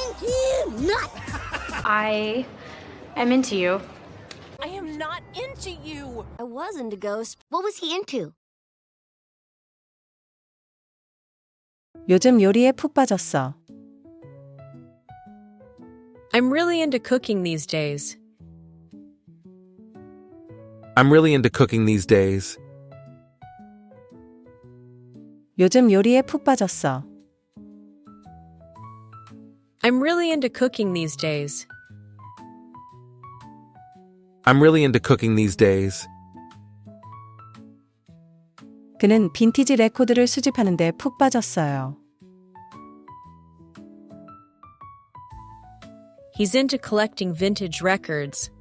You nut! I am into you. I am not into you. I was into Ghost. What was he into? 요즘 요리에 푹 빠졌어. I'm really into cooking these days. I'm really into cooking these days. 요즘 요리에 푹 빠졌어. I'm really into cooking these days. I'm really into cooking these days. 그는 빈티지 레코드를 수집하는데 푹 빠졌어요. He's into collecting vintage records.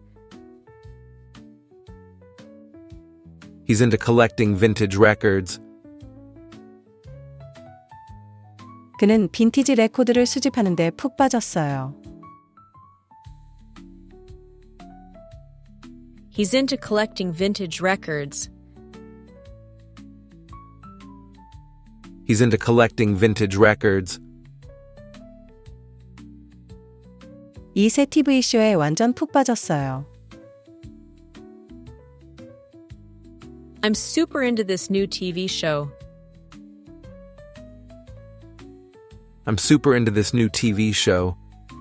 He's into collecting vintage records. 그는 빈티지 레코드를 수집하는데 푹 빠졌어요. He's into collecting vintage records. He's into collecting vintage records. 이 새 TV쇼에 완전 푹 빠졌어요. I'm super into this new TV show. I'm super into this new TV show.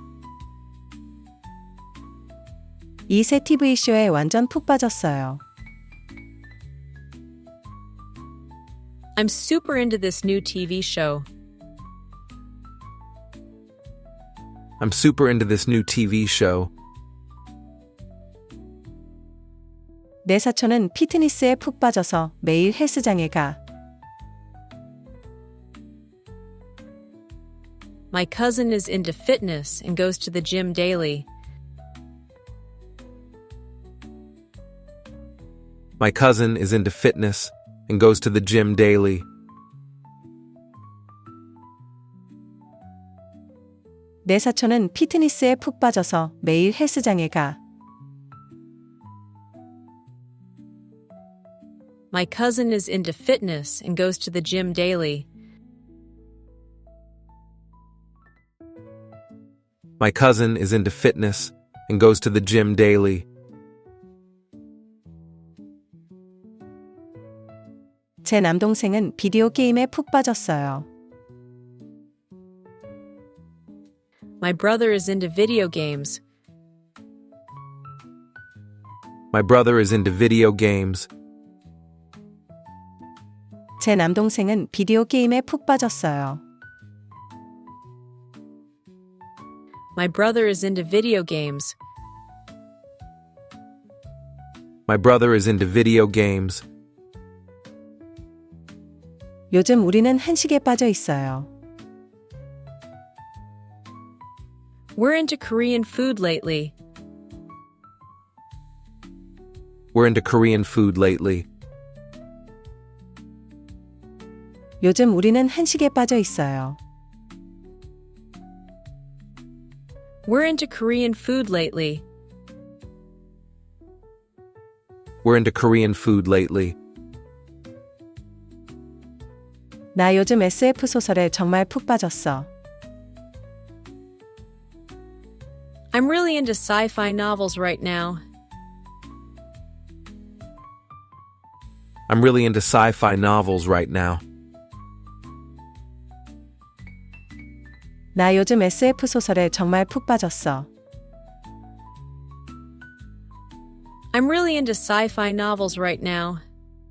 이 새 TV쇼에 완전 푹 빠졌어요. I'm super into this new TV show. I'm super into this new TV show. 내 사촌은 피트니스에 푹 빠져서 매일 헬스장에 가. My cousin is into fitness and goes to the gym daily. My cousin is into fitness and goes to the gym daily. 내 사촌은 피트니스에 푹 빠져서 매일 헬스장에 가. My cousin is into fitness and goes to the gym daily. My cousin is into fitness and goes to the gym daily. 제 남동생은 비디오 게임에 푹 빠졌어요. My brother is into video games. My brother is into video games. 제 남동생은 비디오 게임에 푹 빠졌어요. My brother is into video games. My brother is into video games. 요즘 우리는 한식에 빠져 있어요. We're into Korean food lately. We're into Korean food lately. 요즘 우리는 한식에 빠져 있어요. We're into Korean food lately. We're into Korean food lately. 나 요즘 SF 소설에 정말 푹 빠졌어. I'm really into sci-fi novels right now. I'm really into sci-fi novels right now. 나 요즘 SF 소설에 정말 푹 빠졌어. I'm really into sci-fi novels right now.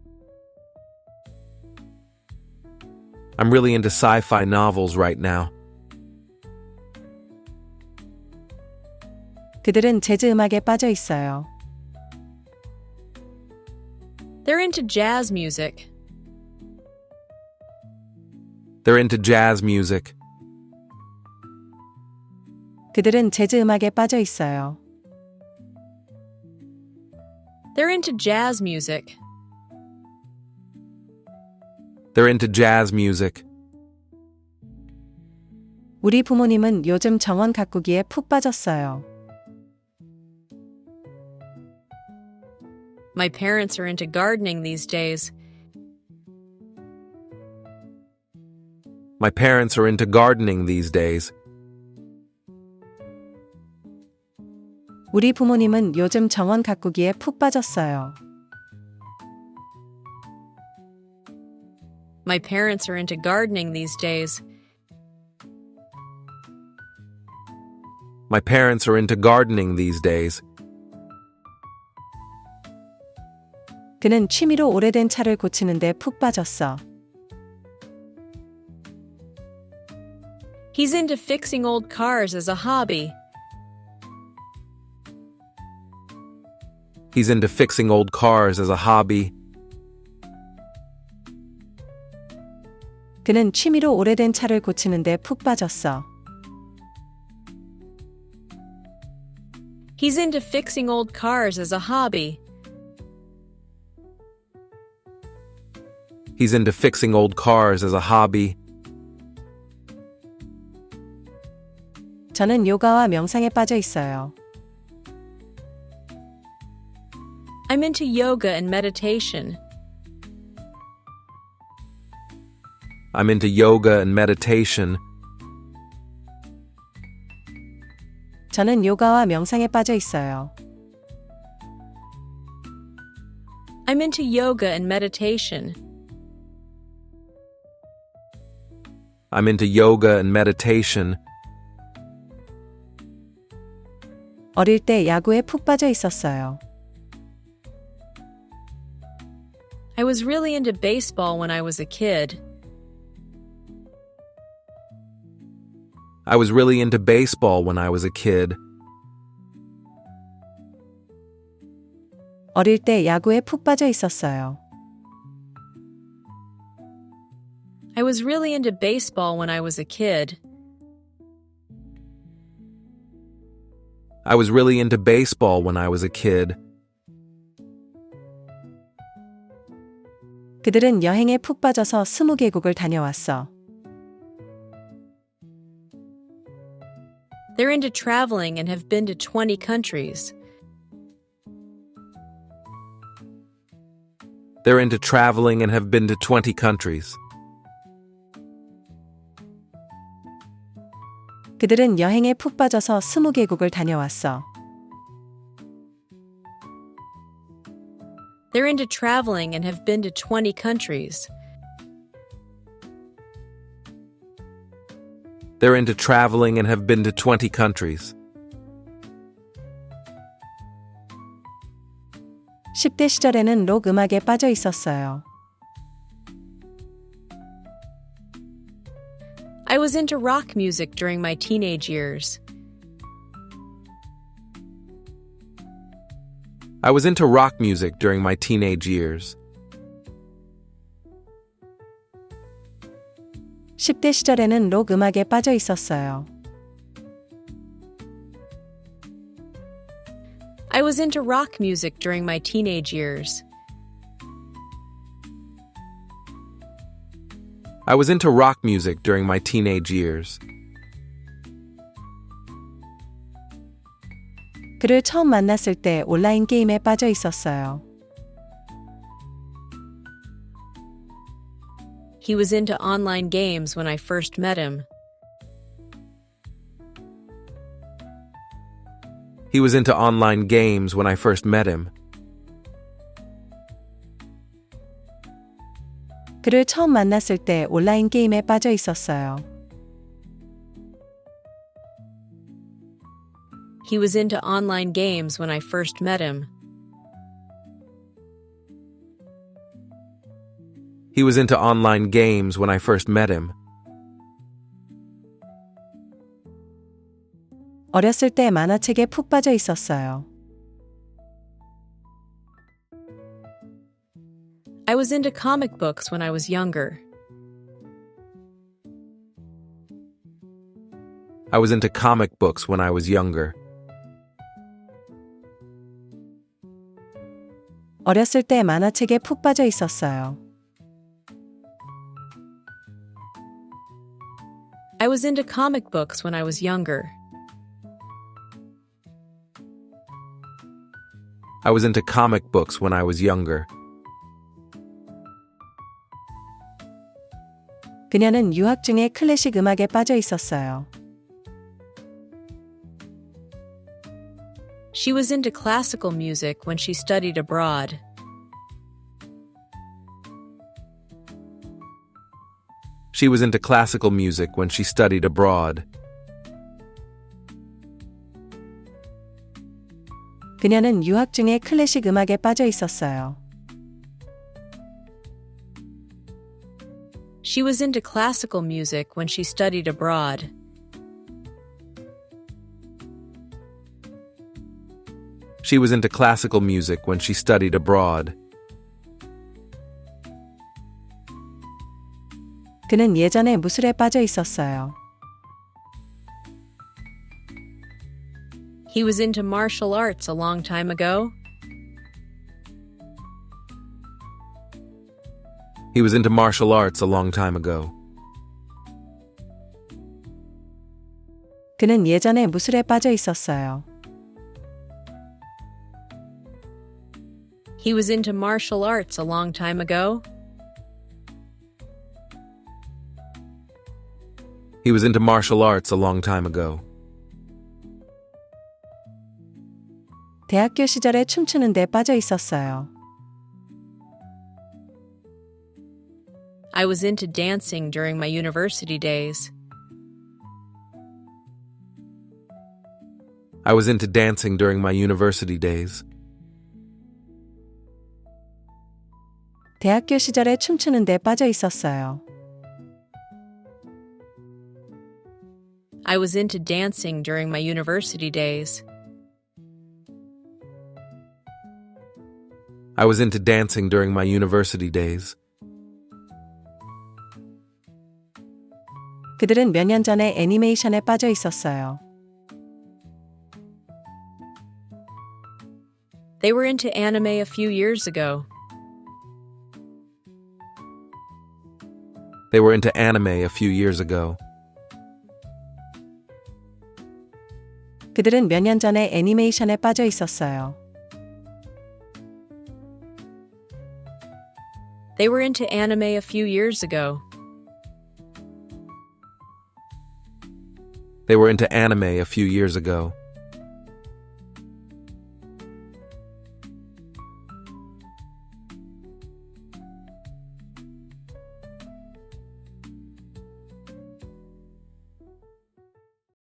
I'm really into sci-fi novels right now. 그들은 재즈 음악에 빠져 있어요. They're into jazz music. They're into jazz music. 그들은 재즈 음악에 빠져 있어요. They're into jazz music. They're into jazz music. 우리 부모님은 요즘 정원 가꾸기에 푹 빠졌어요. My parents are into gardening these days. My parents are into gardening these days. 우리 부모님은 요즘 정원 가꾸기에 푹 빠졌어요. My parents are into gardening these days. My parents are into gardening these days. 그는 취미로 오래된 차를 고치는데 푹 빠졌어. He's into fixing old cars as a hobby. He's into fixing old cars as a hobby. 그는 취미로 오래된 차를 고치는데 푹 빠졌어. He's into fixing old cars as a hobby. He's into fixing old cars as a hobby. 저는 요가와 명상에 빠져 있어요. I'm into yoga and meditation. I'm into yoga and meditation. 저는 요가와 명상에 빠져 있어요. I'm into yoga and meditation. I'm into yoga and meditation. 어릴 때 야구에 푹 빠져 있었어요. I was really into baseball when I was a kid. I was really into baseball when I was a kid. 어릴 때 야구에 푹 빠져 있었어요. I was really into baseball when I was a kid. I was really into baseball when I was a kid. 그들은 여행에 푹 빠져서 20개국을 다녀왔어. They're into traveling and have been to 20 countries. They're into traveling and have been to 20 countries. 그들은 여행에 푹 빠져서 20개국을 다녀왔어. They're into traveling and have been to 20 countries. They're into traveling and have been to 20 countries. 10대 시절에는 록 음악에 빠져 있었어요. I was into rock music during my teenage years. I was into rock music during my teenage years. 10대 시절에는 록 음악에 빠져 있었어요. I was into rock music during my teenage years. I was into rock music during my teenage years. 그를 처음 만났을 때 온라인 게임에 빠져 있었어요. He was into online games when I first met him. He was into online games when I first met him. 그를 처음 만났을 때 온라인 게임에 빠져 있었어요. He was into online games when I first met him. He was into online games when I first met him. 어렸을 때 만화책에 푹 빠져 있었어요. I was into comic books when I was younger. I was into comic books when I was younger. 어렸을 때 만화책에 푹 빠져 있었어요. I was into comic books when I was younger. I was into comic books when I was younger. 그녀는 유학 중에 클래식 음악에 빠져 있었어요. She was into classical music when she studied abroad. She was into classical music when she studied abroad. 그녀는 유학 중에 클래식 음악에 빠져 있었어요. She was into classical music when she studied abroad. She was into classical music when she studied abroad. 그는 예전에 무술에 빠져 있었어요. He was into martial arts a long time ago. He was into martial arts a long time ago. 그는 예전에 무술에 빠져 있었어요. He was into martial arts a long time ago. He was into martial arts a long time ago. 대학교 시절에 춤추는 데 빠져 있었어요. I was into dancing during my university days. I was into dancing during my university days. 대학교 시절에 춤추는 데 빠져 있었어요. I was into dancing during my university days. I was into dancing during my university days. 그들은 몇 년 전에 애니메이션에 빠져 있었어요. They were into anime a few years ago. They were into anime a few years ago. 그들은 몇 년 전에 애니메이션에 빠져 있었어요. They were into anime a few years ago. They were into anime a few years ago.